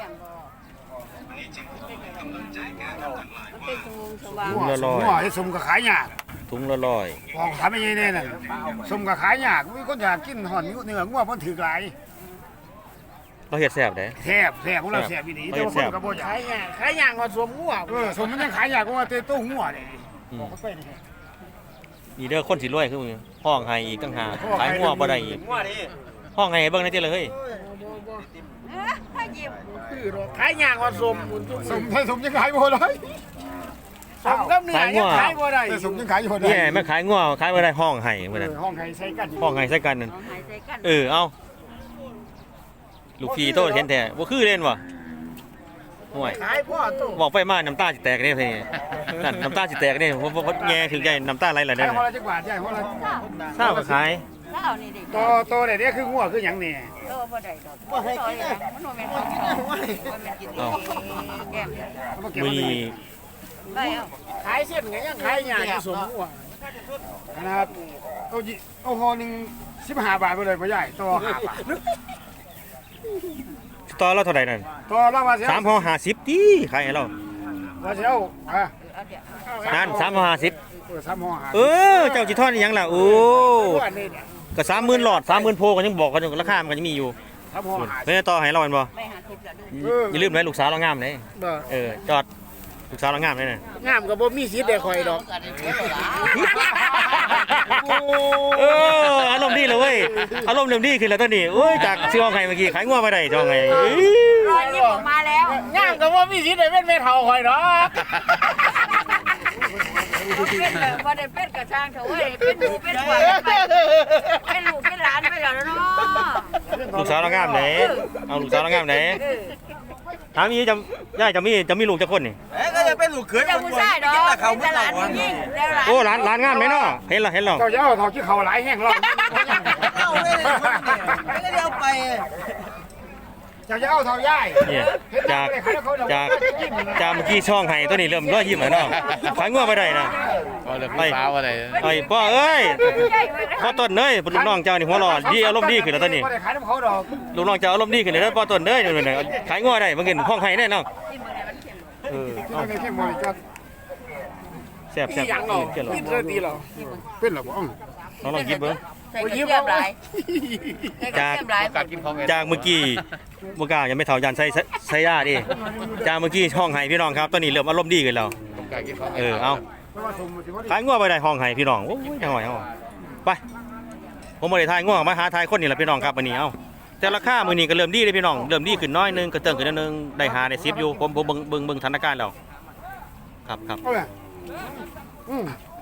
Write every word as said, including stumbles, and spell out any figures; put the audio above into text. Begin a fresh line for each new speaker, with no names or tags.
ถุงละร้อย
หัวไอ้สมก็ขายยาก
ถุงละร้อย
ของทำไม่ใช่แน่นั่นสมก็ขายยากมีคนอยากกินห่อนเนื้องัวมันถือหลาย
เราเฮ็ดแซ่บเด้
แทบแทบพวกเราแทบอีนีแต่ว่าคนก็บ่อยาก
ขายยากขายยากกว่าสวมงัว
เออสมมันยังขายยากกว่าเตโต้หัวเลยบอกเขาไปนี่
นี่เด้อคนสิรวยคือมึงห้องให้อีกตั้งหากขายงัวบ่ได้อีกห้องให้เบิ่งได้ติเลยเฮ้ย
ถ้าหยิบ
คือดอกขายยากกว่าสมบุญทุก
สมไทยสมยังขายบ่ได้
สมกับเนื้อยังขายบ่ได้
แต่สมยังขายบ่ได้
นี่แม่ขายงัวขายบ่ได้ห้องให้มื้อนั้น
ห้องไห้ใส่กัน
ห้องให้ใส่กันนั่น
หายใจกัน
เออเอาลูกพี่โตเห็นแท้บ่คือเล่นวะห่วย
ขายพ่อตู้
บอกไปมาน้ำตาสิแตกเด้เพิ่นนั่นน้ำตาสิแตกเด้ผมบ่แง่ถึงใหญ่น้ำตาไหลแล้ว
ขาย
เด้
หัวละจักบาทใหญ่หัวละ
ทราบก็ขาย
ถ้าเอานี่ดิ
โตโตเนี่ยคืองัวคือหยังนี่
โตบ่ได้ดอกบ่ให้กินมันบ่แม่นของเขาบ่แม่นกินดีแก้ม
มื้อนี้
ไปเอา
ขายเส้นก็ยังขายยากกว่าสมงัว
นะครับเอาจิเอาห่อหนึงสิบห้าบาทไปเลยพ่อใหญ่ต่อห้าบาท
ต่อเราเท่าใดนั่น
ต่อเราว่าสิ
สามห่อห้าสิบติขายให้เรา
ว่าสิเอาอ่ะ
เอาเดี๋ยว
นั่นสามห่อห้าสิบ
เออสามห่อห้า
เออเจ้าสิทอดอีหยังล่ะโอ้
อันนี้เนี่ย
ก็สามหมื่นหลอดสามหมื่นโพก็ยังบอกกันอยู่ราคามันก็ยังมีอยู่
สามห่อห้า
เพิ่นต่อให้เราแม่นบ่
ไม่หาทิพย์แล้วดู
เออ
อย่าลืมนะลูกสาวเรางามเด้
บ่
เออจอดลูกสาวเรางามเลยน่ะ
งามก็บ่มีสิทธิ์ได้ข่อยดอก
เอออารมณ์ดีเลยเว้ยอารมณ์เริ่มดีขึ้นแล้วตอนนี้โอ้ยจากซื้อของไงเมื่อกี้ขายงัวไปได้จองไงเอ้ย
รอยยิ้มออกมาแล้ว
งามก็บ่มีสิทธิ์ได้เป็นแม่เฒ่าข่อยดอก
เป็นแบบว่าได้เป็นกระช่างเถอะเว้ยเป็นหนูเป็นผัวไปเป็นลูกเป็นหลานไปแล้วเนาะ
ลูกสาวเรางามไหนเอาลูกสาวเรางามไหนถามนี้จะย่ายจะมีจะมีลูกจะคนนี่
เอ้ยก็จะเป็นลูกเขย
เจ้าผู้ชายดอกเป็นหลานผู้หญิงแล้วหลาน
โอ้ร้านร้านงามไหมเนาะเห็นเหรอเห็นเหรอ
เจ้าจะเอาทอขี้เขาหลายแห้งหรอก
เอาเลยเลยไม่ได้เอาไป
เจ้าจะเอาทองย่าย
เนี่ยจากจากจากเมื่อกี้ช่องไห้ตัวนี้เริ่มร้อยยิ้มแล้วเนาะขายงัวไปได้นะ
ก็เริ่มมีฟ้าว่าอะไร
ไอ้พ่อเอ้ยพ่อต้นเอ้ยลูกน้องเจ้านี่หัวหล่อดีอารมณ์ดีขึ้นแล้วตอนนี้
ไม่ได้ขายน้ำเขาดอก
ลูกน้องเจ้าอารมณ์ดีขึ้นแล้วพ่อต้นเอ้ยนี่นี่ขายงัวได้บางเงินห้องไห้แน่เนาะเออ
ที่นั่นแค่บริการ
แซ่บ
อี
แซ่บ
หยังเนาะ
เกี่ยวหรอ
กินเรื่องดีเหรอ
เป็นหรอบ้อง
น้องลองกินเบิ้ง
ใส่กระเทียมหลายใส่กระเทียมหลาย
การกินของ
จากเมื่อกี้เมื่อกี้ยังไม่เท่ายันใส่ใส่ยาดิจากเมื่อกี้ห้องไห้พี่น้องครับตอนนี้เริ่มอารมณ์ดีขึ้นแล้ว
การกินของ
เออเอาขายงัวไปได้ห้องไห้พี่น้องโอ้ยจังหวะเอาไปผมบ่ได้ทายงัวมาหาทายคนนี่แหละพี่น้องครับวันนี้เอาแต่ราคามื้อนี้ก็เริ่มดีเลยพี่น้องเริ่มดีขึ้นน้อยนึงก็เติมขึ้นนิดนึงได้หาได้สิบอยู่ผมผมเบิ่งเบิ่งเบิ่งสถานการณ์แล้วครับครับ
เอาเลยอืม